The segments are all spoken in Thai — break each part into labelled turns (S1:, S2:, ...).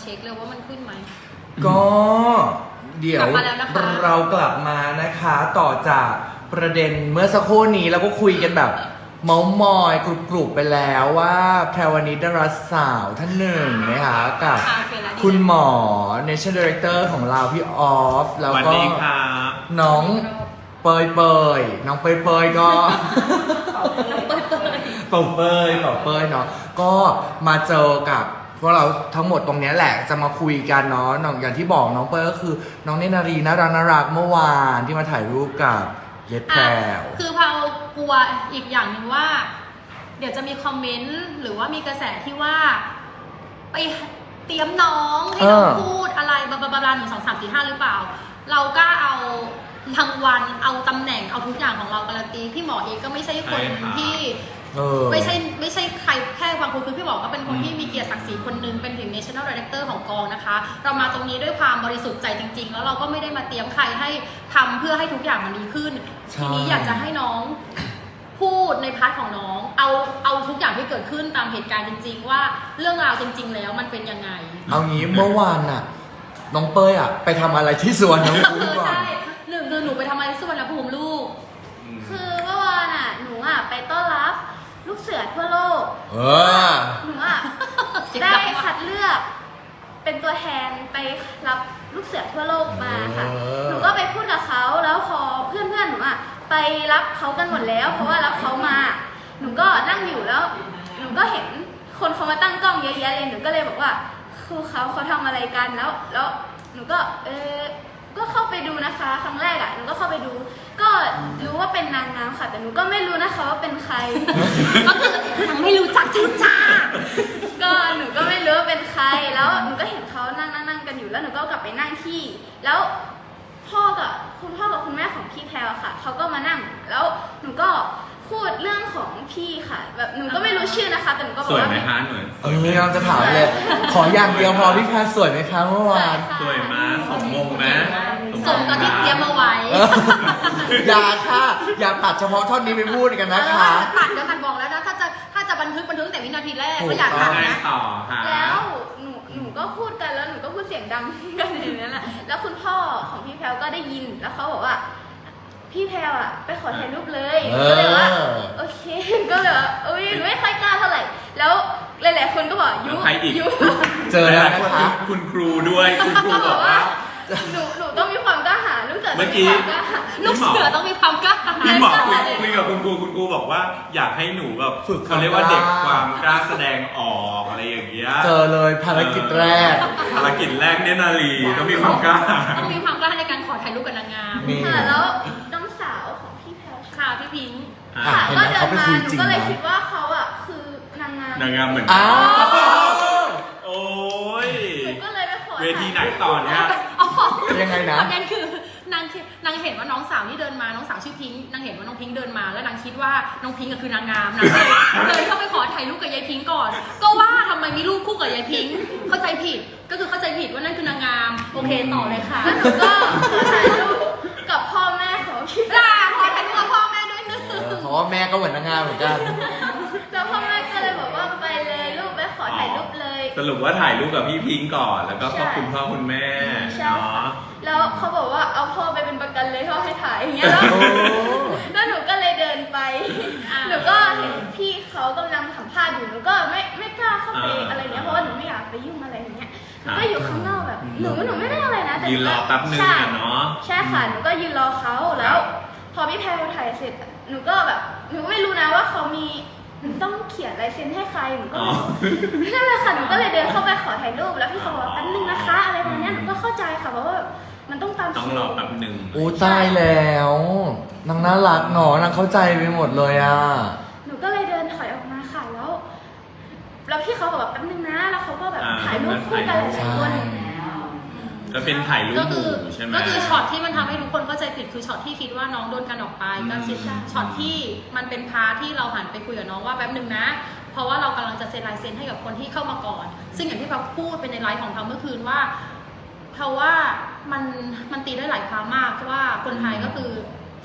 S1: ช็คเลยว่ามันขึ้นไหม
S2: ก็เดี๋ยว
S1: กลับมาแล้วนะคะ
S2: เรากลับมานะคะ ต่อจากประเด็นเมื่อสักครู่นี้เราก็คุยกันแบบเมาส์มอยกรุบๆไปแล้วว่าแพรวนิดดาราสาวท่านหนึ่งนะคะกับ
S1: โอเคแล้ว
S2: คุณหมอ National Director ของเราพี่ออฟแล้ว
S3: สวัส
S2: ก็
S3: ดีครับ
S2: น้องเปยน้องเปยก็ เปยเนาะก็มาเจอกับพวกเราทั้งหมดตรงนี้แหละจะมาคุยกันเนาะอย่างที่บอกน้องเปยก็คือน้องเนตรนารีน่ารักเมื่อวานที่มาถ่ายรูปกับเย็ดแพรว
S1: คือเรากลัวอีกอย่างหนึ่งว่า เดี๋ยวจะมีคอมเมนต์หรือว่ามีกระแสที่ว่า ไปเตรียมน้องให้น้องพูดอะไรบลาบลา1 2 3 4 5หรือเปล่า เรากล้าเอารางวัลเอาตำแหน่งเอาทุกอย่างของเราการันตีพี่หมอเองก็ไม่ใช่คนที่ไม่ใช่ใครแค่บางคนคือพี่หมอก็เป็นคนที่มีเกียรติศักดิ์ศรีคนหนึงเป็นถึง National Director ของกองนะคะ เรามาตรงนี้ด้วยความบริสุทธิ์ใจจริงๆแล้วเราก็ไม่ได้มาเตรียมใครให้ทำเพื่อให้ทุกอย่างมันดีขึ้นทีนี้อยากจะให้น้องพูดในพาร์ทของน้องเอาทุกอย่างที่เกิดขึ้นตามเหตุการณ์จริงๆว่าเรื่องราวจริงๆแล้วมันเป็นยังไง
S2: เอางี้เมื่อวานน่ะน้องเปยไปทำอะไรที่สวนน้องภูมิก่อน
S1: ใช่หนึ่งคือหนูไปทำอะไรที่สุวรรณภูมิลูก
S4: คือเมื่อวานหนูไปต้อนรับลูกเสือทั่วโลก หนูได้คัดเลือกเป็นตัวแทนไปรับลูกเสือทั่วโลกมาค่ะ หนูก็ไปพูดกับเขาแล้วพอเพื่อนๆหนูไปรับเขากันหมดแล้ว เพราะว่ารับเขามา หนูก็นั่งอยู่แล้ว หนูก็เห็นคนเขามาตั้งกล้องเยอะแยะเลย หนูก็เลยบอกว่าคือเขาทำอะไรกันแล้วหนูก็ก็เข้าไปดูนะคะครั้งแรกหนูก็เข้าไปดู ก็รู้ว่าเป็นนางงามค่ะ แต่หนูก็ไม่รู้นะคะว่าเป็นใคร
S1: ก็คือยังไม่รู้จักจริงจ้า
S4: ก็หนูก็ไม่รู้ว่าเป็นใครแล้วหนูก็เห็นเขานั่งกันอยู่แล้วหนูก็กลับไปนั่งที่แล้วคุณพ่อกับคุณแม่ของพี่แพรวค่ะเขาก็มานั่งแล้วหนูก็พูดเรื่องของพี่ค่ะแบบหนูก็ไม่รู้ชื่อนะคะแต่หนูก็บอ
S3: ส
S4: ก
S3: วย
S4: ว่า
S3: ไหมฮะหน่อย
S2: เราจะถามเลย ขออย่างเดียวพอพี่แพรสวยไหมคะเมื่อวาน
S3: สวยมาสมมงไหม
S1: ส่งกับที่เตรียมมาไว้
S2: อย่าค่ะอย่าตัดเฉพาะท่อนนี้ไปพูดกันนะคะ
S1: ตัดเดี๋ยวกันบอกแล้วนะถ้าจะบันทึกแต่วินาทีแรกก็อยาก
S3: ยั
S1: ตัด
S3: งไง
S1: นะ
S3: ต่อฮะ
S4: แล้วหนูก็พูดกันแล้วหนูก็พูดเสียงดังกันอย่างนั้นแหละแล้วคุณพ่อของพี่แพรวก็ได้ยินแล้วเขาบอกว่าพี่แพรวไปขอถ่ายรูปเลยก็เลยว่าโอเคก็เลยว่าหนูไม่ค่อยกล้าเท่าไหร่แล้วหลายๆคนก็บอกยุ
S2: เจอแล้วนะคะ
S3: คุณครูด้วยคุณครู
S4: ก็
S3: บบ อ
S4: อก ก
S3: ว่า
S4: ว่าหนูต้องมีความกล้าหาญลูกเสือต้อง
S3: เมื่อกี้
S4: มีความกล้าหาญ
S1: ลูกเสือต้องมีความกล้าหาญ
S3: พี่หมอคุยกับคุณครูบอกว่าอยากให้หนูแบบ
S2: ฝึก
S3: เขาเรียกว่าเด็กความกล้าแสดงออกอะไรอย่างเงี้ย
S2: เจอเลยภารกิจแรก
S3: ภารกิจแรกเนี่ยนาลีต้องมีความกล้า
S1: ต้องมีความกล้าในการขอถ่ายรูปกับนางงาม
S2: นี่
S4: ค่ะแล้วน้องสาวของพี่แพรว
S1: ค่ะพี่พิงค์
S4: ค่ะ
S2: เห็น
S4: ก็
S2: ไหม
S4: เดิ
S2: เขา
S4: น
S2: ไป
S4: มา
S2: คุย
S4: หนู
S2: จริง
S4: ก็เลย
S2: นะ
S4: คิดว่าเขาคือนางงาม
S3: นางงามเหมือนกั
S2: อ้าน ว
S3: โอ้ย
S4: หนูก็เลยไปขอ
S3: เวทีไหนต่อเนี่ย
S2: ยังไงนะ
S1: ประเด็นคือนางเห็นว่าน้องสาวที่เดินมาน้องสาวชื่อพิงค์นางเห็นว่าน้องพิงค์เดินมาแล้วนางคิดว่าน้องพิงค์คือนางงามนางเลยเข้าไปขอถ่ายรูปกับยายพิงค์ก่อน ก็ว่าทำไมมีรูปคู่กับยายพิงค์เข้าใจผิดก็คือเข้าใจผิดว่านั่นคือนางงามโอเคต่อเลยค่ะ
S4: แล้วหนูก็ขอถ่ายรูปกับพ่อแม่ของพี่แพร
S1: ขอถ่ายรูปกับพ่อแม่ด้วยนึง
S2: เพราะว่าแม่ก็เหมือนนางงามเหมือนกัน
S4: แล้วพ่อแม่ก็เลยบอกว่าไปเลยลูกไปขอถ่ายรูปเลย
S3: สรุปว่าถ่ายรูปกับพี่พิงค์ก่อน แล้วก็ขอบคุณพ่อคุณแม่
S4: ใช่
S3: เนาะ
S4: ค่ะแล้วเขาบอกว่าเอาพ่อไปเป็นประกันเลยพ่อให้ถ่ายอย่างเงี้ยแล้ว
S2: โอ้
S4: แล้วหนูก็เลยเดินไป หนูก็เห็นพี่เขากำลังสัมภาษณ์อยู่หนูก็ไม่กล้าเข้าไปอะไรเงี้ยเพราะว่าหนูไม่อยากไปยุ่งอะไรอย่างเงี้ยหนูก็อยู่ข้างนอกแบบหนูไม่ได้อะไรนะแต่
S3: ยืนรอแป๊บนึง
S4: ใช่
S3: อะเนาะ
S4: ใช่ค่ะหนูก็ยืนรอเขาแล้ว พอพี่แพรวถ่ายเสร็จหนูก็แบบหนูก็ไม่รู้นะว่าเขามีต้องเขียนลายเซ็นให้ใครหนูก็
S3: อ๋อ
S4: นั่นแหละค่ะหนูก็เลยเดินเข้าไปขอถ่ายรูปแล้วพี่เขาบอกว่าแป๊บนึงนะคะอะไรประมาณเนี้ยหนูก็เข้าใจค่ะเพราะว่ามันต้องตาม
S3: ต้อง
S4: คิว
S3: รอแป๊บหนึ่ง
S2: โอ้ตายแล้วนางน่ารักเนาะนางเข้าใจไปหมดเลยอ่ะ
S4: หนูก็เลยเดินถอยออกมาค่ะแล้วพี่เขาบอกว่าแป๊บนึงนะแล้วเขาก็แบบถ่ายรูปคู่กันหลายๆคน
S3: ก็เป็นถ่ายรูป
S1: ก็
S3: ห
S1: คื
S3: มู่
S1: อ
S3: ใช่ไหม
S1: ก็คือช็อตที่มันทำให้ทุกคนเข้าใจผิดคือช็อตที่คิดว่าน้องโดนกันออกไปก็คือช็อตที่มันเป็นพาร์ทที่เราหันไปคุยกับน้องว่าแป๊บนึงนะ เพราะว่าเรากำลังจะเซ็นลายเซ็นให้กับคนที่เข้ามาก่อน ซึ่งอย่างที่เราพูดเป็นในไลฟ์ของเราเมื่อคืนว่าเพราะว่ามันตีได้หลายความมากเพราะว่าคนไทยก็คือเฟ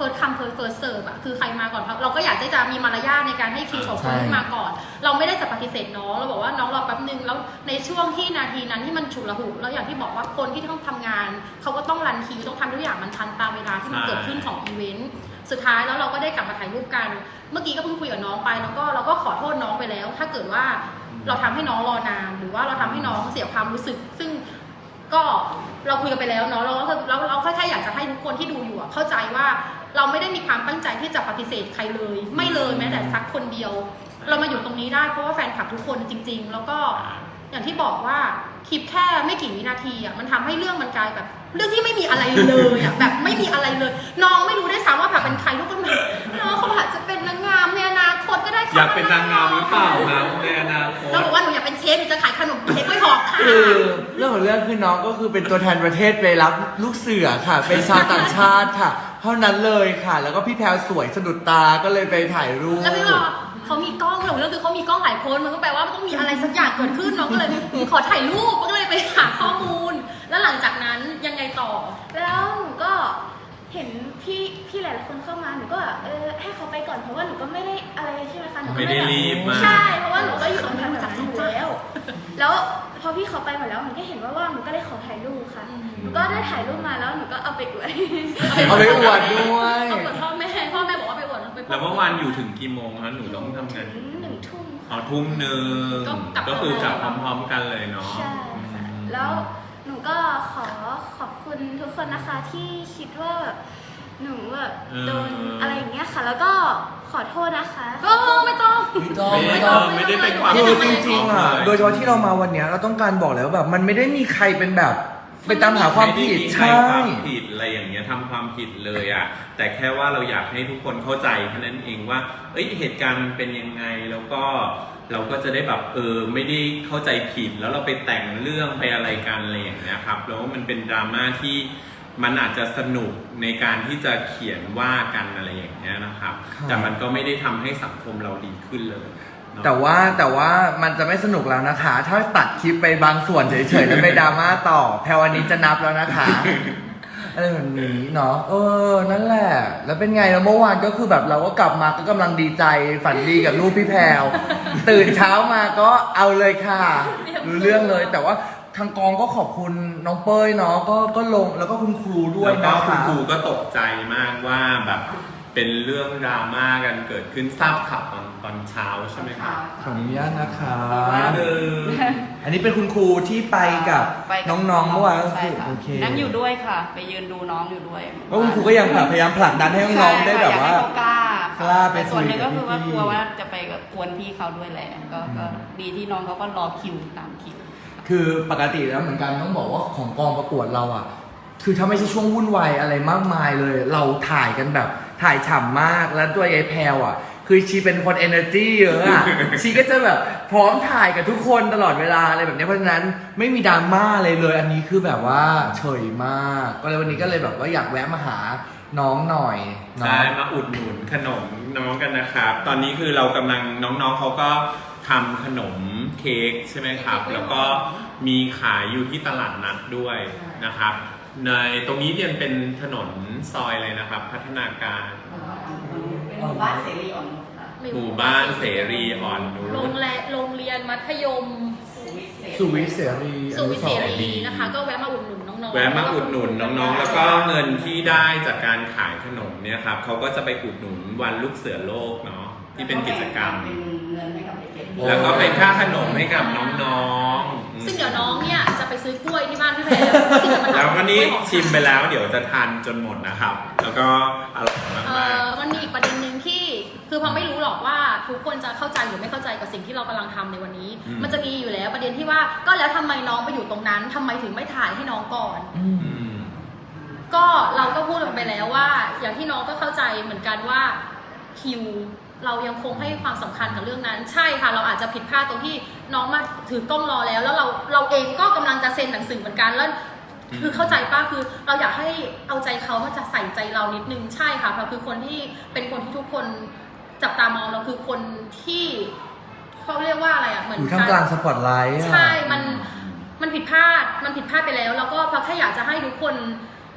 S1: first come first serve อะคือใครมาก่อนเราก็อยากจะมีมารยาทในการให้คิวของคนที่มาก่อนเราไม่ได้จะปฏิเสธน้องเราบอกว่าน้องรอแป๊บนึงแล้วในช่วงที่นาทีนั้นที่มันฉุกละหุกแล้วอย่างที่บอกว่าคนที่ต้องทำงานเขาก็ต้องรันคิวต้องทำทุกอย่างมันทันตามเวลาที่มันเกิดขึ้นของอีเวนต์สุดท้ายแล้วเราก็ได้กลับมาถ่ายรูปกันเมื่อกี้ก็เพิ่งคุยกับน้องไปแล้วก็เราก็ขอโทษน้องไปแล้ว ถ้าเกิดว่าเราทำให้น้องรอนานหรือว่าเราทำให้น้องเสียความรู้สึกซึ่งก็เราคุยกันไปแล้วเนาะเราแค่อยากจะให้ทุกคนที่ดูอยู่เข้าใจว่าเราไม่ได้มีความตั้งใจที่จะปฏิเสธใครเลยไม่เลยแม้แต่สักคนเดียวเรามาอยู่ตรงนี้ได้เพราะว่าแฟนคลับทุกคนจริงๆแล้วก็อย่างที่บอกว่าคลิปแค่ไม่กี่วินาทีอ่ะมันทำให้เรื่องมันกลายแบบเรื่องที่ไม่มีอะไรเลยอ่ะแบบไม่มีอะไรเลยน้องไม่รู้ได้ซ้ำว่าแบบเป็นใครทุกคนแบบน้องเขาอาจจะเป็นนางงามในอนาคตก็ได้ค่ะ
S3: อยากเป็นนางงามหรือเปล่าครับในอนาคต
S1: เราบอกว่าหนูอยากเป็นเชฟหนูจะขายขนมเค้กไม่บอกค่ะ
S2: คือเรื่องของเรื่องคือน้องก็คือเป็นตัวแทนประเทศไปรับลูกเสือค่ะ เป็นชาวต่างชาติค่ะ เท่านั้นเลยค่ะ แล้วก็พี่แพรวสวยสะดุดตาก็เลยไปถ่ายรูป
S1: แล้วพี่บอกเขามีกล้องหนูเรื่องคือเขามีกล้องหลายคนมันก็แปลว่ามันต้องมีอะไรสักอย่างเกิดขึ้นน้องก็เลยขอถ่ายรูปก็เลยไปหาข้อมูล แล้วหลังจากนั้นยังไงต่อ
S4: แล้วหนูก็เห็นพี่หลายๆคนเข้ามาหนูก็ให้เขาไปก่อนเพราะว่าหนูก็ไม่ได้อะไรใช่ไหมคะหนูก็
S3: ไม่ได้รีบมาก
S4: ใช่เพราะว่าหนูก็อยู่ตรงนั้นอยู่แล้วพอพี่เขาไปหมดแล้วหนูก็เห็นว่าว่างหนูก็เลยขอถ่ายรูปค่ะหนูก็ได้ถ่ายรูปมาแล้วหนูก็เอาไปอวด
S2: เอาไปอวดด้วย
S1: เอาอวดพ่อแม่บอกว่าไปอวดไป
S3: แล้วเมื่อวานอยู่ถึงกี่โมงคะหนูต้องทำงาน
S4: ถึง1 ทุ่ม
S3: อ๋อทุ่มหนึ่งก็คือกลับพร้อมๆกันเลยเนาะ
S4: ใช่ค่ะแล้วหนูก็ขอบคุณทุกคนนะคะที่คิดว่าแบบหนูแบบโดนอะไรอย่างเงี้ยค่ะ แล้วก็ขอโทษนะคะ
S1: ก็ไม่ต้อง
S3: ไม่ได้เป็นความ
S2: คือจริงๆอ่ะ โดยเฉพาะที่เรามาวันเนี้ยเราต้องการบอกแล้วแบบมันไม่ได้มีใครเป็นแบบไปตามหาความผิด
S3: ใช่
S2: ใช่
S3: ความผิดอะไรอย่างเงี้ยทำความผิดเลยอ่ะแต่แค่ว่าเราอยากให้ทุกคนเข้าใจแค่นั้นเองว่าเหตุการณ์มันเป็นยังไงแล้วก็เราก็จะได้แบบไม่ได้เข้าใจผิดแล้วเราไปแต่งเรื่องไปอะไรกันอะไรอย่างเงี้ยครับแล้วมันเป็นดราม่าที่มันอาจจะสนุกในการที่จะเขียนว่ากันอะไรอย่างเงี้ยนะครับ
S2: ครับ
S3: แต่มันก็ไม่ได้ทำให้สังคมเราดีขึ้นเลยเนอะ
S2: แต่ว่ามันจะไม่สนุกแล้วนะคะ ถ้าตัดคลิปไปบางส่วนเฉยๆแล้วไปดราม่าต่อแพรวันนี้จะนับแล้วนะคะ อะไรแบบนี้เนาะนั่นแหละ แล้วเป็นไงแล้วเมื่อวานก็คือแบบเราก็กลับมาก็กำลังดีใจฝันดีกับลูกพี่แพรว ตื่นเช้ามาก็เอาเลยค่ะรู้เรื่องเลย แต่ว่าทางกองก็ขอบคุณน้องเป้ยเนาะก็ลงแล้วก็คุณครูด้วย
S3: แล้ว
S2: นะ
S3: ก็คุณ
S2: คะ
S3: ครูก็ตกใจมากว่าแบบเป็นเรื่องดราม่ากันเกิดขึ้นทราบข่าวตอนเช้าใช่ไหมครับ
S2: ขออนุญาตนะคะ
S3: เออ
S2: อันนี้เป็นคุณครูที่ไปกับน้องๆเมื่อวานก็
S5: ใช่
S2: คือ
S5: ค่ะ
S2: โอเค
S5: นั่งอยู่ด้วยค่ะ ไปยืนดูน้องอยู่ด้วย
S2: ก็คุณครูก็ยังพยายามผลักดันให้น้องๆได้แบบว่า
S5: ใช่ค่ะอยกให้เขากล้าก
S2: ล้าไป
S5: แต่ส่วนหนึ่งก็คือว่า
S2: คุยกับพี่
S5: กลัวว่าจะไปกวนพี่เขาด้วยแหละก็ดีที่น้องเขาก็รอคิวตามคิว
S2: คือปกติแล้วเหมือนกันต้องบอกว่าของกองประกวดเราอ่ะ คือถ้าไม่ใช่ช่วงวุ่นวายอะไรมากมายเลย เราถ่ายกันแบบถ่ายฉ่ำมากแล้วตัวยายแพรวอ่ะ คือชีเป็นคน energy เยอะอ่ะ ชีก็จะแบบพร้อมถ่ายกับทุกคนตลอดเวลาอะไรแบบนี้เพราะฉะนั้นไม่มีดราม่าเลยเลย อันนี้คือแบบว่าเฉยมากก็เลยวันนี้ก็เลยแบบว่าอยากแวะมาหาน้องหน่อยเนาะ
S3: ใช่มาอุดหนุนขนมน้องกันนะครับ ตอนนี้คือเรากำลังน้องๆเขาก็ทำขนมเค้กใช่ไหมครับ แล้วก็มีขายอยู่ที่ตลาดนัดด้วยนะครับ ในตรงนี้เนี่ยเป็นถนนซอยเลยนะครับ พัฒนาการ
S5: เป็นหมู่บ้านเสรีอ่อนนุชค่ะ
S3: หมู่บ้านเสรีอ่อนนุ
S1: โรง
S3: ช
S1: เรียนมัธยม
S2: สุวิทย์เสรี
S1: สุวิทย์เสรีนะคะ ก็แวะมาอุดหนุนน้องๆ
S3: แวะมาอุดหนุนน้องๆ แล้วก็เงินที่ได้จากการขายขนมเนี่ยครับเขาก็จะไปอุดหนุนวันลูกเสือโลกเนาะที่เป็นกิจกรรม
S5: เป็นเงินให้กับเด็ก
S3: แล้วก็เป็นค่าขนมให้กับน้องๆ
S1: ซึ่งเดี๋ยวน้องเนี่ยจะไปซื้อกล้วยที่บ้านพี่แพรที่จะมาทำ
S3: แล้วก็นี่
S1: กล้วยหอม
S3: ชิมไปแล้วเดี๋ยวจะทานจนหมดนะครับ แล้วก็อร่อยมาก
S1: มันมีอีกประเด็นหนึ่งที่คือพอไม่รู้หรอกว่าทุกคนจะเข้าใจหรือไม่เข้าใจกับสิ่งที่เรากำลังทำในวันนี้ มันจะมีอยู่แล้วประเด็นที่ว่าก็แล้วทำไมน้องไปอยู่ตรงนั้นทำไมถึงไม่ถ่ายให้น้องก่อน
S2: อืม
S3: อืม
S1: ก็เราก็พูดไปแล้วว่า อย่างที่น้องก็เข้าใจเหมือนกันว่าคิวเรายังคงให้ความสำคัญกับเรื่องนั้น ใช่ค่ะเราอาจจะผิดพลาดตรงที่น้องมาถือกล้องรอแล้วเราเองก็กำลังจะเซ็นหนังสือเหมือนกันแล้ว คือเข้าใจป้าคือเราอยากให้เอาใจเขามาจะใส่ใจเรานิดนึงใช่ค่ะเราคือคนที่เป็นคนที่ทุกคนจับตามองเราคือคนที่เขาเรียกว่าอะไรอ่ะเหมือน
S2: อยู่ท่ามกลางสปอตไลท์อะ
S1: ใช่มันผิดพลาดไปแล้วแล้วก็เพราะแค่อยากจะให้ทุกคน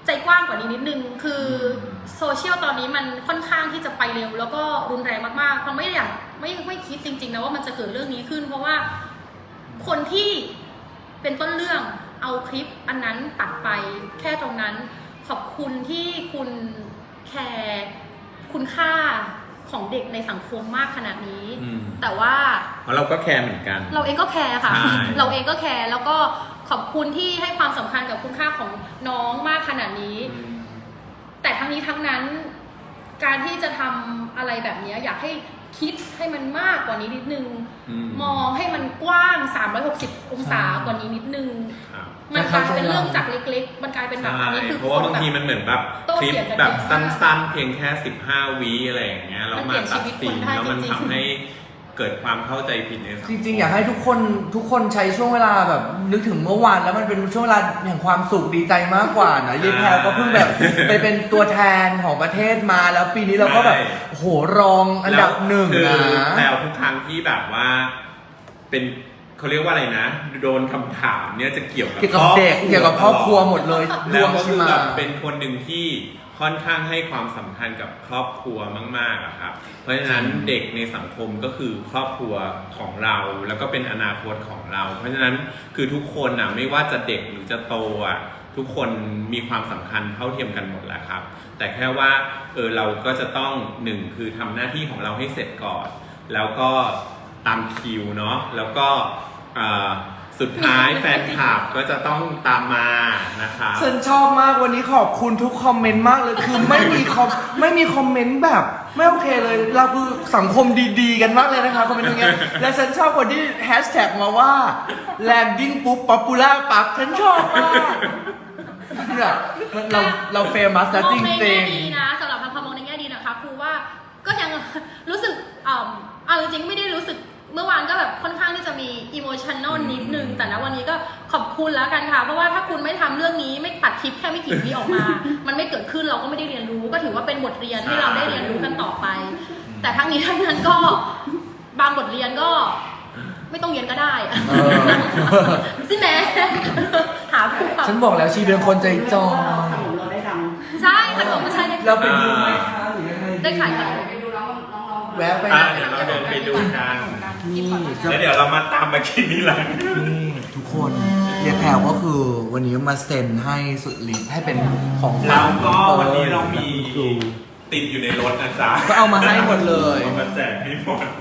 S1: ใจกว้างกว่านี้นิดนึงคือโซเชียลตอนนี้มันค่อนข้างที่จะไปเร็วแล้วก็รุนแรงมากๆเพราะไม่อยากไม่คิดจริงๆนะว่ามันจะเกิดเรื่องนี้ขึ้น เพราะว่าคนที่เป็นต้นเรื่องเอาคลิปอันนั้นตัดไปแค่ตรงนั้นขอบคุณที่คุณแคร์คุณค่าของเด็กในสังคมมากขนาดนี้ แต่ว่า
S3: เพราะเราก็แคร์เหมือนกัน
S1: เราเองก็แคร์ค่ะ
S3: ใช่
S1: เราเองก็แคร์แล้วก็ขอบคุณที่ให้ความสำคัญกับคุณค่าของน้องมากขนาดนี้ แต่ทั้งนี้ทั้งนั้นการที่จะทำอะไรแบบนี้อยากให้คิดให้มันมากกว่านี้นิดนึง มองให้มันกว้าง 360 องศากว่านี้นิดนึง
S3: ครับ
S1: มันกลายเป็นเรื่องจากเล็กๆ มันกลายเป็นแบบ
S3: ใช่
S1: อันนี้คือ
S3: เพราะว่าบางทีมันเหมือนแบบ
S1: โต้
S3: คลิป
S1: เถียงกัน
S3: แบบ
S1: เยอะ
S3: สั
S1: มาก้
S3: นๆ เพียงแค่15 วิอะไรอย่างเงี้ยแล้ว
S1: มันเปลี่
S3: มาย
S1: น
S3: ตัด
S1: ชีวิต
S3: สิน
S1: คนได้
S3: แล้วมัน
S1: จริงๆ
S3: ทำให้เกิดความเข้าใจผิดในสังค
S2: จ
S3: ม
S2: ริงๆ อยากให้ทุกคนใช้ช่วงเวลาแบบนึกถึงเมื่อวานแล้วมันเป็นช่วงเวลาแห่งความสุขดีใจมากกว่านะยายแพรก็เพิ่งแบบไปเป็นตัวแทนของประเทศมาแล้วปีนี้เราก็แบบโอ้โหรองอันดับหนึ่ง
S3: คือ
S2: นะ
S3: แล้วทุกครั้งที่แบบว่าเป็นเขาเรียกว่าอะไรนะ โดนคำถามเนี่ยจะเกี่ยวกับ
S2: เกี่ยวกับเด็กเกี่ยวกับครอบครัวหมดเลยด
S3: แล้ว
S2: ง
S3: ก็
S2: ชิ
S3: คือ
S2: มา
S3: แบบเป็นคนหนึ่งที่ค่อนข้างให้ความสำคัญกับครอบครัวมากๆอะครับ เพราะฉะนั้นเด็กในสังคมก็คือครอบครัวของเราแล้วก็เป็นอนาคตของเรา เพราะฉะนั้นคือทุกคนอ่ะไม่ว่าจะเด็กหรือจะโตอ่ะทุกคนมีความสำคัญเท่าเทียมกันหมดแหละครับ แต่แค่ว่าเราก็จะต้องหนึ่งคือทำหน้าที่ของเราให้เสร็จก่อน แล้วก็ตามคิวเนาะแล้วก็สุดท้ายแฟนคลับก็จะต้องตามมานะคะ
S2: ฉันชอบมากวันนี้ขอบคุณทุกคอมเมนต์มากเลยคือไม่มีคอมเมนต์แบบไม่โอเคเลยเราคือสังคมดีๆกันมากเลยนะคะคอมเมนต์อย่างเงี้ยและฉันชอบคนที่แฮชแท็กมาว่า landing ปุ๊บ popular ปั๊บฉันชอบมากเนี่ยเราเฟมัสนะจ
S1: มองใน
S2: ริ
S1: แง่
S2: ง
S1: ดีนะสำหรับพามองในแง่ดีนะคะคือว่าก็ยังรู้สึกเอาจริงๆไม่ได้รู้สึกเมื่อวานก็แบบค่อนข้างที่จะมีอิโมชันแนลนิดนึงแต่ณวันนี้ก็ขอบคุณแล้วกันค่ะเพราะว่าถ้าคุณไม่ทำเรื่องนี้ไม่ตัดคลิปแค่ไม่กี่วิออกมา มันไม่เกิดขึ้นเราก็ไม่ได้เรียนรู้ก็ถือว่าเป็นบทเรียนที่เราได้เรียนรู้กันต่อไป แต่ทั้งนี้ทั้งนั้นก็บางบทเรียนก็ไม่ต้องเรียนก็ได้
S2: ๆเออ
S1: ใช่ไหมหาผู้
S2: ฉันบอกแล้วชีเป็นคนใจจอย
S5: ขนมเราได้ดัง
S1: ใช่ขนมไม่ใช่ได้
S2: เราไปดูไหมคะหรือยังไง
S1: ได้ขายขนม
S5: ไปดูน้องๆ
S2: แวะไป
S3: เดี๋ยวเราเดินไปดูกัน
S2: นี่
S3: แล้วเดี๋ยวเรามาตามมากินนี่แหละ
S2: นี่ทุกคนยายแพรวก็คือวันนี้มาเซ็นให้สุดฤทธิ์ให้เป็นของฝา
S3: แล้ว
S2: ก
S3: ก็วันนี้เรามี
S2: ครู
S3: ติดอยู่ในรถนะจ๊ะ
S2: ก็เอามาให้หมดเลย
S3: เอามาแจกให้หมด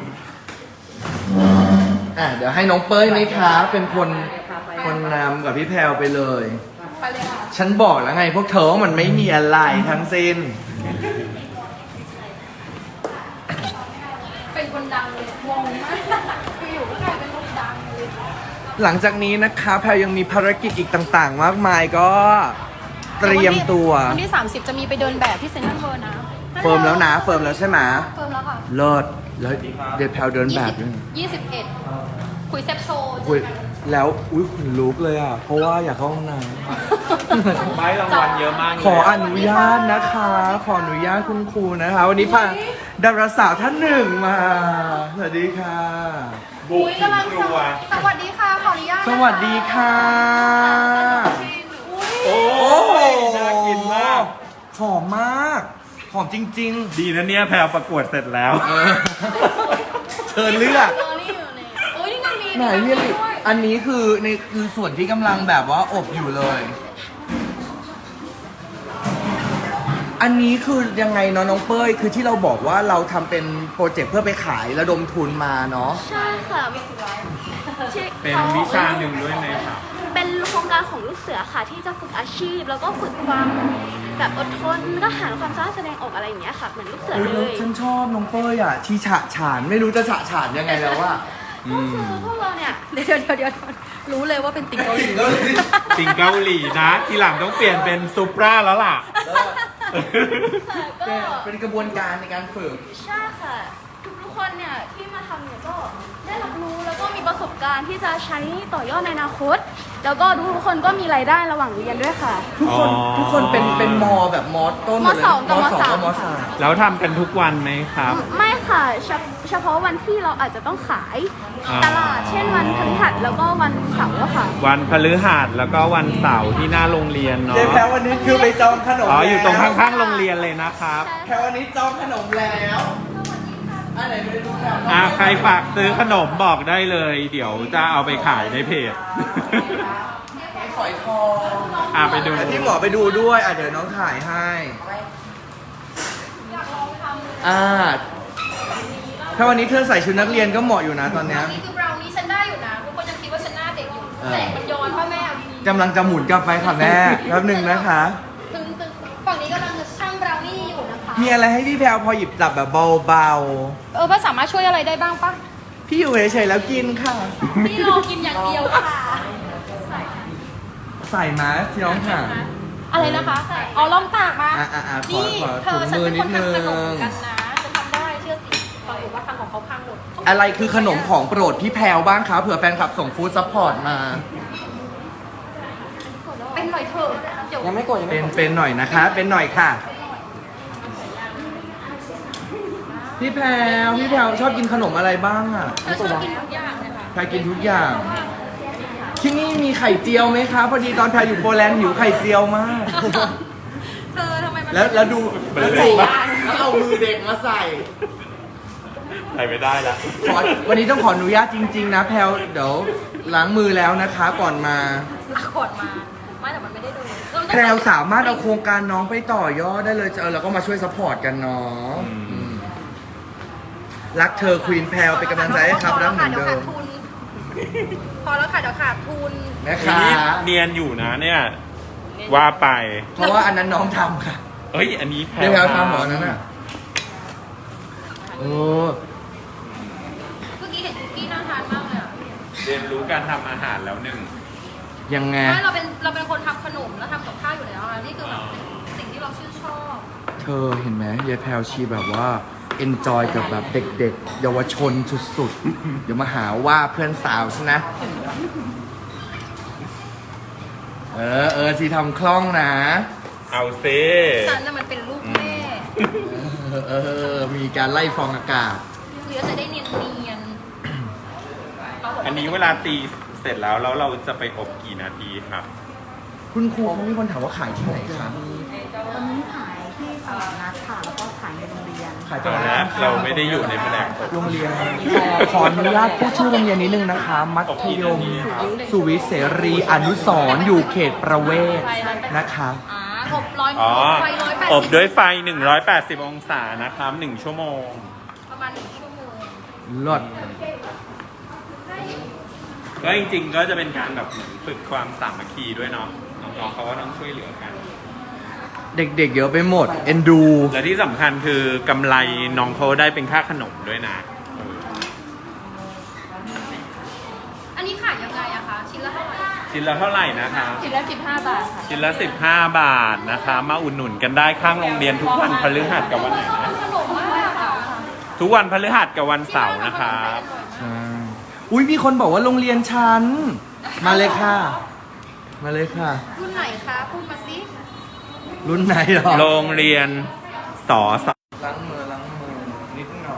S2: เดี๋ยวให้น้องเป้ยไหมคะเป็นคนนำกับพี่แพรวไปเลย
S1: ไปเลยค่ะ
S2: ฉันบอกแล้วไงพวกเธอว่ามันไม่มีอะไรทั้งสิ้น
S1: เป็นคนดังเลยงงมากคืออยู่ก็กลายเป็นคนดังเลย
S2: หลังจากนี้นะคะแพรวยังมีภารกิจอีกต่างๆ มากมายก็เตรียมตัว
S1: วันที่ 30 จะมีไปเดินแบบที่เซ็นทรัลเวิลด์นะ
S2: เฟิร์มแล้วนะเฟิร์มแล้วใช่ไหม
S1: เฟิร์มแล้วค่ะ
S2: เลิศแล้วเดี๋ยวแพรวเดินแบบด้วย
S1: 21 คุยแซบโชว์
S2: อุ๊ยแล้วอุ้ยขนลุกเลยอ่ะ เพราะว่าอยากเข้าห้องน้ำ
S3: ไม่รางวัลเยอะมากเลย
S2: ขออนุญาตนะคะ ขออนุญาตคุณครูนะคะ วันนี้พาดาราสาวท่านหนึ่งมา สวัสดีค่ะ
S3: บุกถึงครัว
S1: สวัสดีค่ะ ขออนุญาต
S2: สวัสดีค่ะ
S3: โอ้
S2: โอ้โห
S3: น่ากินมาก
S2: หอมมาก หอมจริง
S3: ดีนะเนี่ยแพรประกวดเสร็จแล้ว
S2: ๆ เชิญเลือก
S1: นี่อยู่ในโอ้ยนี่มันมี
S2: ไหนพี่ลิอันนี้คือคือส่วนที่กำลังแบบว่าอบอยู่เลย อันนี้คือยังไงเนาะน้องเป้ย คือที่เราบอกว่าเราทำเป็นโปรเจกต์เพื่อไปขายระดมทุนมาเนาะ
S4: ใช่ค่ะที่
S3: เป็นวิชาหนึ่งด้วยไหมครับ
S4: เป็นโครงการของลูกเสือค่ะที่จะฝึกอาชีพ แล้วก็ฝึกความแบบอดทนกล้าหาญความสามารถแสดงออกอะไรอย่างเงี้ยค่ะเหมือนลูกเสือ
S2: เฮ้ย
S4: เล
S2: แล้ว
S4: ย
S2: ฉันชอบน้องเป้ยอ่ะ ที่ฉะฉานไม่รู้จะฉะฉานยังไงแล้วว่า
S4: ก็คือพวกเราเนี่ย
S1: เดี๋ยวรู้เลยว่าเป็นติ๊กเกาหลี
S3: สิงเกาหลีนะ ทีหลังต้องเปลี่ยนเป็นซูปราแล้วล่ะ
S4: ก็
S2: เป็นกระบวนการในการฝึก
S4: ใช่ค่ะทุกคนเนี่ยที่มาทำเนี่ยก็ได้รับรู้แล้วก็มีประสบการณ์ที่จะใช้ต่อยอดในอนาคต แล้วก็ทุกคนก็มีรายได้ระหว่างเรียนด้วยค่ะ
S2: ทุกคน
S3: อ๋อ
S2: ทุกคนเป็นมอแบบมอต้นหมดเลย
S4: มสองกับมสาม
S2: มสาม
S3: แล้วทำกันทุกวันไหมครับ
S4: ไม่ค่ะเฉพาะวันที่เราอาจจะต้องขาย
S3: อ่า
S4: ตลาด เช่นวันพฤหัสแล้วก็วันเสาร์อะค่ะ
S3: วันพฤหัสแล้วก็วันเสาร์ที่หน้าโรงเรียนเนาะ
S2: เจ๊แพรวันนี้คือไปจองขนม
S3: อ๋ออยู่ตรง
S2: แล้ว
S3: ข้างๆโรงเรียนเลยนะครับ
S2: แพรวันนี้จองขนมแล้วอันไหนไปดูแพร
S3: ใครฝากซื้อขนมบอกได้เลย เดี๋ยวจะเอาไปขายในเพจ
S2: ฝอยทอง
S3: ไปดู
S2: ที่หมอไปดูด้วยเดี๋ยวน้องถ่ายให้ถ้าวันนี้เธอใส่ชุดนักเรียนก็เหมาะอยู่นะตอนเนี้ย
S1: นี่คือบราวนี่ฉันได้อยู่นะทุกคนยังคิดว่าฉันหน้าเด็กอยู่
S2: เออ
S1: แสงมันย้อนพ่อแม่เอาดี
S2: กำลังจะหมุนกลับไปค่ะแม่แป๊บหนึ่งนะคะ
S1: ๆตึงฝั่งนี้กำลังจะช่างบราวนี่อยู่นะคะ
S2: มีอะไรให้พี่แพรวพอหยิบจับแบบเบา
S1: ป้าสามารถช่วยอะไรได้บ้างปะ
S2: ๆ พี่อยู่เฉยๆแล้วกินค่ะ
S1: พี่รอกินอย่างเดียวค่ะ
S2: ใส่มาที่น้องค่ะ
S1: อะไรนะคะอ๋อลองตากมา
S2: ขอ
S1: นี่
S2: ขอ
S1: เธ
S2: ถุ
S1: อง ฉัน
S2: มือ
S1: เป็น
S2: นิ
S1: ค
S2: ด
S1: น
S2: นึ
S1: ทำขนม
S2: ง
S1: กันนะฉันทำได้เชื่อสิปรากฏว่าทำของเขาพังหมด
S2: อะไรคือขนมของโปรดพี่แพรวบ้างคะเผื่อแฟนคลับส่งฟู้ดซัพพอร์ตมา
S1: เป็นหน่อยเถอะเดี๋ยว
S6: ยังไม่กดยังไม่กด
S2: เป็นหน่อยนะคะ เป็นหน่อยค่ะ พี่แพรวชอบกินขนมอะไรบ้างอ่ะ
S1: เธอชอบกินทุกอย่างเลยค่ะ
S2: แพรกินทุกอย่าง ที่นี่มีไข่เจียวไหมคะพอดีตอนแพรอยู่โปแลนด์หิวไข่เจียวมาก
S1: เธอทำไมมัน
S2: แล้วดูแล้วเอามือเด็กมาใส่
S3: ใส่ไม่ได้ละ
S2: วันนี้ต้องขออนุญาตจริง ๆ นะแพรวเดี๋ยวล้างมือแล้วนะคะก่อนมา
S1: ขวดมาไม่แต่มันไม่ได้ดู
S2: แพรวสามารถเอาโครงการน้องไปต่อยอดได้เลยแล้วก็มาช่วยซัพพอร์ตกันเนาะรักเธอควีนแพรวเป็นกำลังใจให้ครับรักเหมือนเดิม
S1: พอแล้วค่ะเดี๋ยวขาดทุน
S2: นะคะ
S3: นี่เนียนอยู่นะเนี่ย ว่าไป
S2: เพราะว่าอันนั้นน้องทำค่ะ
S3: เอ้ย อันนี้แพ
S2: เดี๋ยวแพรวทำหมอนั้นน่ะโอ้
S1: เมื่อกี้เห็นคุกกี้น่าทานมากเลยอ่ะ
S3: เรียนรู้การทำอาหารแล้วหนึ่ง
S2: ยังไง
S1: ไม่เราเป็นคนทำขนมแล้วทำกับข้าวอยู่แล้วอ่ะนี่คือแบบเป็นสิ่งที่เราชื่นชอบ
S2: เธอเห็นไหมยายแพรวชีแบบว่า enjoy กับแบบเด็กๆ เยาวชนสุดๆ เดี๋ยวมาหาว่าเพื่อนสาวใช่นะ ชีทำคล่องนะ
S3: เอาเซ
S1: ฉันน่ะมันเป็นลูกแม่
S2: มีการไล่ฟองอากาศ
S1: เดี๋ยวจะได้เนียน
S3: อันนี้เวลาตีเสร็จแล้วเราจะไปอบกี่นาทีครับ
S2: คุณครูเขามีคนถามว่าขายที่ไหนคะ
S5: ตอนนี้ขายที่ตลาดนัดค่ะ แล้วก็ขายในโรงเรียน
S2: ขาย
S3: ตอนนี้เราไม่ได้อยู่ในแผนกอบ
S2: โรงเรียน ขออนุญาตพูดชื่อโรงเรียนนิดนึงนะคะ มัธยม สุวิทย์เสรีอนุสรณ์อยู่เขตประเวศนะคะ
S1: ๆอบร้อย
S3: อ๋อ
S1: ไฟ180
S3: อบด้วยไฟ 180 องศานะครับ 1 ชั่วโมง
S1: ประมาณ1 ชั่วโมง
S2: ลด
S3: ก็จริงๆ ก็จะเป็นการแบบเหมือนฝึกความสามัคคีด้วยเนาะ น้องๆเขาก็ต้องช่วยเหลือกัน
S2: เด็กๆเยอะไปหมด เอ็นดู
S3: และที่สำคัญคือกำไรน้องเขาได้เป็นค่าขนมด้วยนะ
S1: อันนี้ขายยังไงอะคะชิ้นละเท่าไหร่
S3: ชิ้นละเท่าไหร่นะคะ
S5: ชิ้นละ15 บาทค่ะ
S3: ชิ้นละ 15 บาทนะคะ มาอุดหนุนกันได้ข้างโรงเรียนทุกวันพฤหัสกับวันไหนนะ
S1: ขนมมากอะ
S3: ทุกวันพฤหัสกับวันเสาร์นะครับ
S2: ใช่ อุ้ยมีคนบอกว่าโรงเรียนฉัน มาเลยค่ะ มาเลยค่ะ
S1: รุ่นไหนคะพูดมาสิ
S2: รุ่นไหนหรอ
S3: โรงเรียนสอส
S2: ล้างมือนิดหน่อย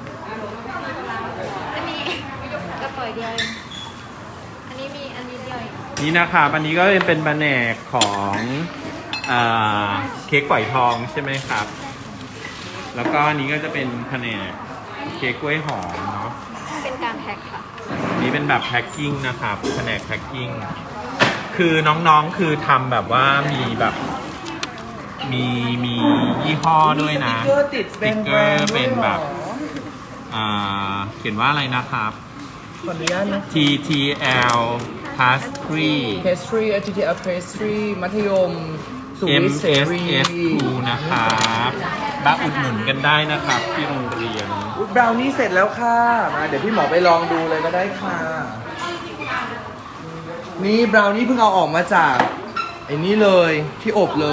S1: อันนี้กระป๋อยเดียวเองอันนี้มีอันนี้เดียวเอง
S3: นี่นะครับอันนี้ก็เป็นแผนกของเค้กฝอยทองใช่ไหมครับ แล้วก็อันนี้ก็จะเป็นแผนกเค้กกล้วยหอมเนาะ
S1: เป็นการแพ็คค่ะ
S3: นี่เป็นแบบแพ็คกิ้งนะครับแผนกแพ็คกิ้งคือน้องๆคือทำแบบว่ามีแบบมียี่ห้อด้วยนะ
S2: สติ๊กเกอร์ติดเป็น
S3: สติ๊กเกอร์เป็นแบบเขียนว่าอะไรนะครับ
S2: ขออนุญาตนะ
S3: TTL Pastry
S2: pastry TTL pastry มัธยม สุวิทย์เสรี
S3: MSS2 นะครับมาอุดหนุนกันได้นะครับที่โรงเรียน
S2: บราวนี่เสร็จแล้วค่ะมาเดี๋ยวพี่หมอไปลองดูเลยก็ได้ค่ะ นี่บราวนี่เพิ่งเอาออกมาจากไอ้นี่เลยที่อบเลย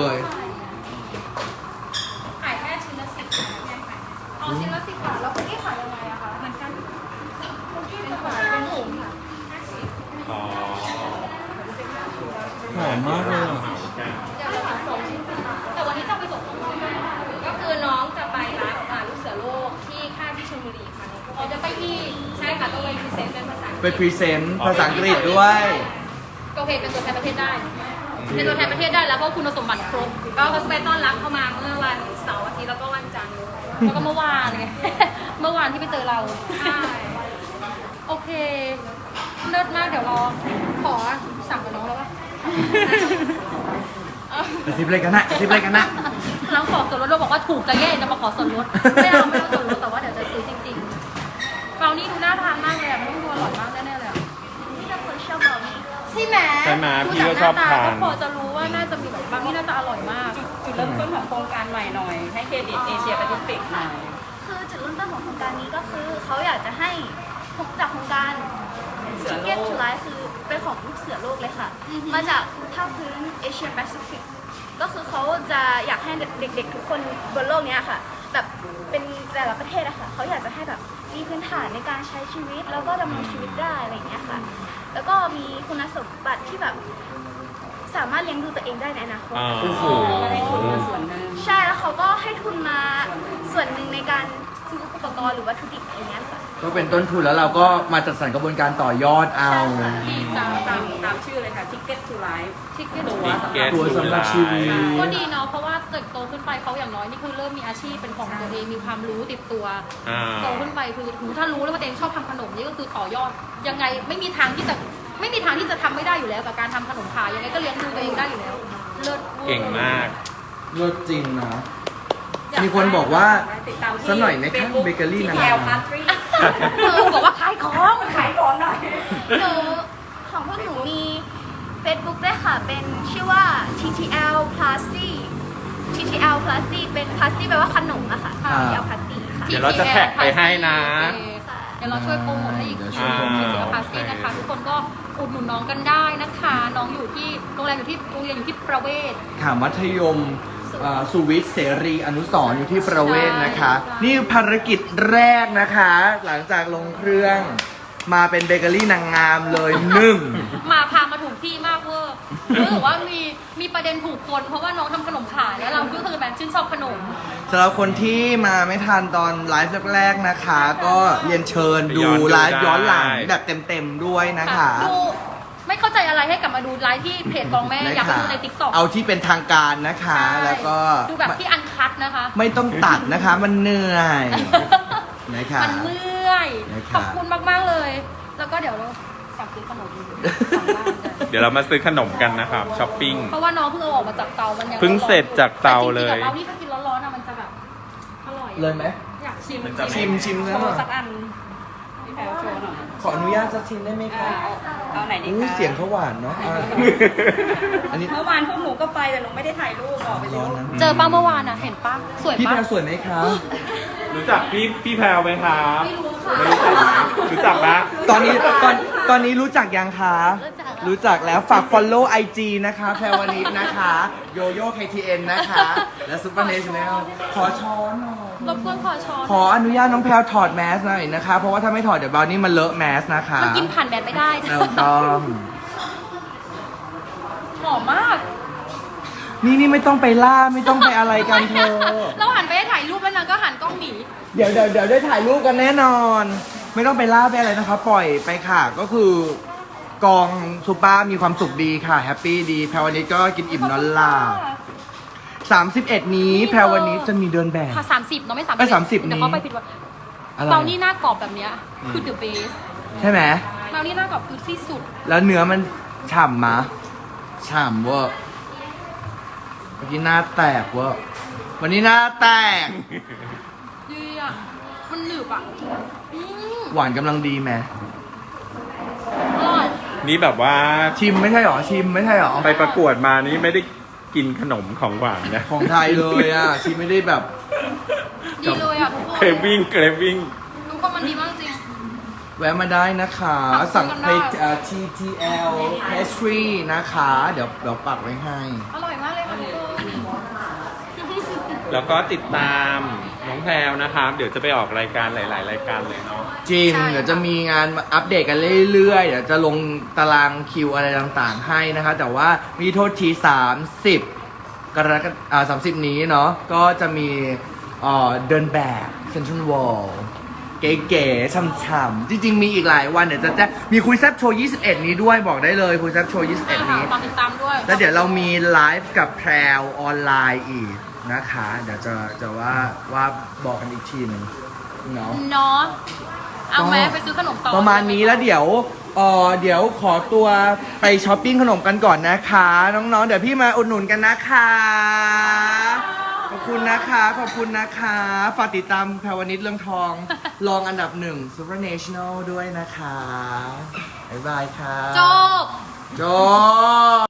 S1: ขายแค่ชิ้นละ10 บาทเอาชิ้นละ10 บาทแล้วคุกกี้ขายยังไงอะคะเหมือนกันคุกกี้เป็นขายเป็นถุงค่ะ
S3: อ๋อ
S2: หอมมากเลยอะ
S1: เดี๋ยวเราหาส่งแต่วันนี้จะไปส่งน้องๆก็คือน้องจะไปรับลูกเสือโลกที่ค่ายพิที่ใช่ค่ะต้องไปพรีเซนต์เป็นภาษาอังก
S2: ไป
S1: ฤษ
S2: พรีเซนต์ภาษาอังกฤษด้วย
S1: ก็เพจเป็นตัวแทนประเทศได้เป็นตัวแทนประเทศได้แล้วเพราะคุณสมบัติครบก็เขาไปต้อนรับเข้ามาเมื่อวันเสาร์อาทิตย์แล้วก็วันจันทร์แล้วก็เมื่อวานเลย เมื่อวานที่ไปเจอเราใช่โอเคเลิศมากเดี๋ยวรอขอสั่งกับน้องแล้วป่ะ
S2: กระซิบเลยกันนะกระซิบเลยกันนะ
S1: เราขอส่วนลดเราบอกว่าถูกจะแย่จะมาขอส่วนลดไม่เอาส่วนลดแต่ว่าเดี๋ยวจะซื้อจริงๆเรานี่ดูน่าทานมากเลยมันต้องดูอร่อยมากแน่ๆเลย
S4: นี่เป็นคนชอบเบานี่
S1: ใช่ไหม
S3: ใช่ไหมพี่ก็ชอบทาน
S1: ก็พอจะรู้ว่าน่าจะมีแบบบางที่น่าจะอร่อยมาก
S5: จุดเริ่มต้นของโครงการใหม่หน่อย ให้เครดิตเอเชียแปซิฟิกหน่อย
S4: คือจุดเริ่มต้นของโครงการนี้ก็คือเขาอยากจะให้จากโครงการ Ticket to Life คือเป็นของลูกเสือโลกเลยค่ะ มาจากภาคพื้นเอเชียแปซิฟิกก็คือเขาจะอยากให้เด็กๆทุกคนบนโลกเนี้ยค่ะ แบบเป็นแต่ละประเทศอะค่ะเขาอยากจะให้แบบมีพื้นฐานในการใช้ชีวิต แล้วก็ดำรงชีวิตได้อะไรอย่างเงี้ยค่ะ แล้วก็มีคุณสมบัติที่แบบสามารถเลี้ยงดูตัวเองได้ในอนาคต
S3: อ่า
S2: โอ้โห
S5: ก็ได้ทุนมาส่วนหนึ่ง
S4: ใช่แล้วเขาก็ให้ทุนมาส่วนหนึ่งในการซื้ออุปกรณ์หรือวัตถุดิบอะไรเงี้ยค่ะ
S2: ก็เป็นต้นทุนแล้วเราก็มาจัดสรรกระบวนการต่อยอดเอา
S5: ที่ตามชื่อเลยค่ะ Ticket to Life
S1: ทิกเก็ต
S5: ตั๋ว
S3: Ticket
S2: ตัวสำหรับชีวิต
S1: ก็ดีเนาะเพราะว่าเกิดโตขึ้นไปเขาอย่างน้อยนี่คือเริ่มมีอาชีพเป็นของตัวเองมีความรู้ติดตัว
S3: อ่า
S1: โตขึ้นไปคือถ้ารู้แล้วว่าตัวเองชอบทำขนมนี่ก็คือต่อยอดยังไงไม่มีทางที่จะทำไม่ได้อยู่แล้วกับการทำขนมขายยังไงก็เลี้ยงดูตัวเองได้อยู่แล้วเลิศวอร์
S3: เก่งมาก
S2: เลิศจริงนะ มีคนบอกว่าสักหน่อยไหมคะเบเกอรี่นะ
S5: ที่แอลพาสตรี
S1: บอกว่าขายของ
S5: ขายของหน่อย
S4: หนูของพวกหนูมี Facebook ด้วยค่ะ เป็นชื่อว่า TTL Plasty TTL Plasty เป็น Plasty แปลว่าขนมอะค่ะ TTL Plasty ค่ะ
S3: เดี๋ยวเราจะแท็กไปให้นะ
S1: เดี๋ยวเราช่วยโปรโมทให้อีก
S2: เดี๋ยวช่
S1: ที
S2: วยโปรโมท
S1: ที่เสียภาษีนะคะ ทุกคนก็อุดหนุนน้องกันได้นะคะ น้องอยู่ที่โรงเรียนอยู่ที่ประเวศ
S2: ค่ะมัธยมสุวิทย์เสรีอนุสรณ์อยู่ที่ประเวศนะคะ นี่ภารกิจแรกนะคะ หลังจากลงเครื่องมาเป็นเบเกอรี่นางงามเลยหนึ่ง
S1: มาพามาถูกที่มากเวอร์รู้สึกว่ามีประเด็นถูกคนเพราะว่าน้องทำขนมขายแล้วเราก็คือแบบชื่นชอบขนม
S2: สำหรับคนที่มาไม่ทันตอนไลฟ์แรกๆนะคะ ก็เรียนเชิญดูไลฟ์ย้อนหลังแบบเต็มๆด้วยนะคะ
S1: ดูไม่เข้าใจอะไรให้กลับมาดูไลฟ์ที่เพจกองแม่อยากไปดูในติ๊กต็อก
S2: เอาที่เป็นทางการนะคะ แล้วก็
S1: ดูแบบที่อันคัดนะคะ
S2: ไม่ต้องตัดนะคะ มันเหนื่อยนะคะ
S1: มันเมื่อย
S2: นะคะ
S1: ขอบคุณมากๆเลย แล้วก็เดี๋ยวเราสั่งซื้อขนมสั่งบ้านกัน
S3: เดี๋ยวเรามาซื้อขนมกันนะครับช้อปปิ้ง
S1: เพราะว่าน้องเพิ่งเอาออกมาจากเตา มันยัง
S3: เพิ่งเสร็จจากเตาเลย
S1: แต่จริงๆอะเรานี่ถ้ากินร้อนๆอะมันจะแบบอร่อย
S2: เลยไหม
S1: อยากชิม
S3: มันจะ
S2: ชิม
S5: โช
S2: แล้ว
S5: ว์สักอันพี่แพลวโชว์หน่อย
S2: ขออนุญาตสักชิมได้ไหมคะ
S5: เอาไหนดี
S2: อู้
S5: คะ
S2: เสียงเขาหวานเนาะอันนี้
S5: เมื่อวานพวกหนูก็ไปแต่หนูไม่ได้ถ่ายรูปบอกไปเล
S2: ร้อน
S5: ย
S2: นะ
S1: เจอป้าเมื่อวานอะเห็นป้าสวย
S2: พี่
S1: ป้า
S2: แพรสวยไหมคะ
S3: รู้จักพี่แพรวไหมครับ
S1: ไม่รู้ค่ะ
S3: ไม่รู้จักไหมรู้จักปะ
S2: ตอนนี้รู้จักยังคะ รู้จักแล้วฝาก follow IG นะคะแพรวนิดนะคะโยโย่ KTN นะคะ และซุปเปอร์เนชั่นแนลขอช้อนหน่อย
S1: รบกวนขอช้อน
S2: ขออนุญาตน้องแพรวถอดแมสหน่อยนะคะ เพราะว่าถ้าไม่ถอดเดี๋ยวบราวนี่มันเลอะแมสนะคะ
S1: มันกินผ่านแดดไม่ได้
S2: เราต้อง
S1: หอมมาก
S2: นี่ไม่ต้องไปล่าไม่ต้องไปอะไรกันเธอ
S1: เราหันไปให้ถ่ายรูปแล้วนางก็หันกล้องหนี
S2: เดี๋ยวได้ถ่ายรูปกันแน่นอน ไม่ต้องไปล่าไปอะไรนะคะ ปล่อยไปค่ะ ก็คือกองซูเปอร์มีความสุขดีค่ะแฮปปี้ดีแพรวันนี้ก็กินอิ่มนอนหลับ31 นี้แพรวันนี้จะมีเดินแบบ
S1: ค่ะ30เนาะไม่
S2: เอ้ย
S1: 30
S2: 30
S1: เดี๋ยวเขาไปผิดว่า
S2: อะไร
S1: เบานี่หน้ากรอบแบบเนี้ยคือ the best
S2: ใช่ไหม
S1: เบานี่หน้ากรอบคือที่สุด
S2: แล้วเนื้อมันฉ่ำมะฉ่ำเวอร์เมื่อกี้หน้าแตกเวอร์วันนี้หน้าแตก
S1: ดีอ่ะ มันหนึบอ่ะอืม
S2: หวานกำลังดีไหม
S1: อร่อย
S3: นี่แบบว่า
S2: ชิมไม่ใช่หรอชิมไม่ใช่หรอ
S3: ไปประกวดมานี่ไม่ได้กินขนมของหวานนะ
S2: ของไทยเลยอ่ะชิมไม่ได้แบบ
S1: ดีเลยอ่ะทุกคน
S3: เครวิ่งเครวิ่ง
S1: ทุกคนมันดีมากจริง
S2: แวะมาได้นะคะ
S1: สั่
S2: สั่ง
S1: งกัน
S2: ไป
S1: ได้
S2: TTL Pastry นะคะ เดี๋ยวปักไว้ให้
S1: อร่อยมากเลยค่ะทุกคน
S3: แล้วก็ติดตามน้องแพรวนะครับ เดี๋ยวจะไปออกรายการหลาย ๆ รายการเลยเนาะ
S2: จริง เดี๋ยวจะมีงานมาอัปเดตกันเรื่อยๆ เดี๋ยวจะลงตารางคิวอะไรต่างๆให้นะคะ แต่ว่ามีโทษที 30 กรกฎาคม30 นี้เนาะก็จะมีเดินแบบ Central World เก๋ๆช่ำๆจริงๆมีอีกหลายวันเดี๋ยวจะแจ้งมีคุยแซบโชว์ 21 นี้ด้วยบอกได้เลยคุยแซบโชว์ 21 นี้
S1: ฝากติดตามด้วย
S2: แล้วเดี๋ยวเรามีไลฟ์กับแพรวออนไลน์อีกนะคะ เดี๋ยวจะว่าบอกกันอีกทีหนึงเนาะ
S1: เนาะเอาไหมไปซื้อขนมต่อ
S2: ประมาณนี้แล้วเดี๋ยวขอตัวไปช้อปปิ้งขนมกันก่อนนะคะ น้องๆ เดี๋ยวพี่มาอุดหนุนกันนะคะ ขอบคุณนะคะขอบคุณนะคะฝากติดตามแพรวนิชเรื่องทองรองอันดับ1 Super National ด้วยนะคะบ๊ายบายค่ะ
S1: จบ
S2: จบ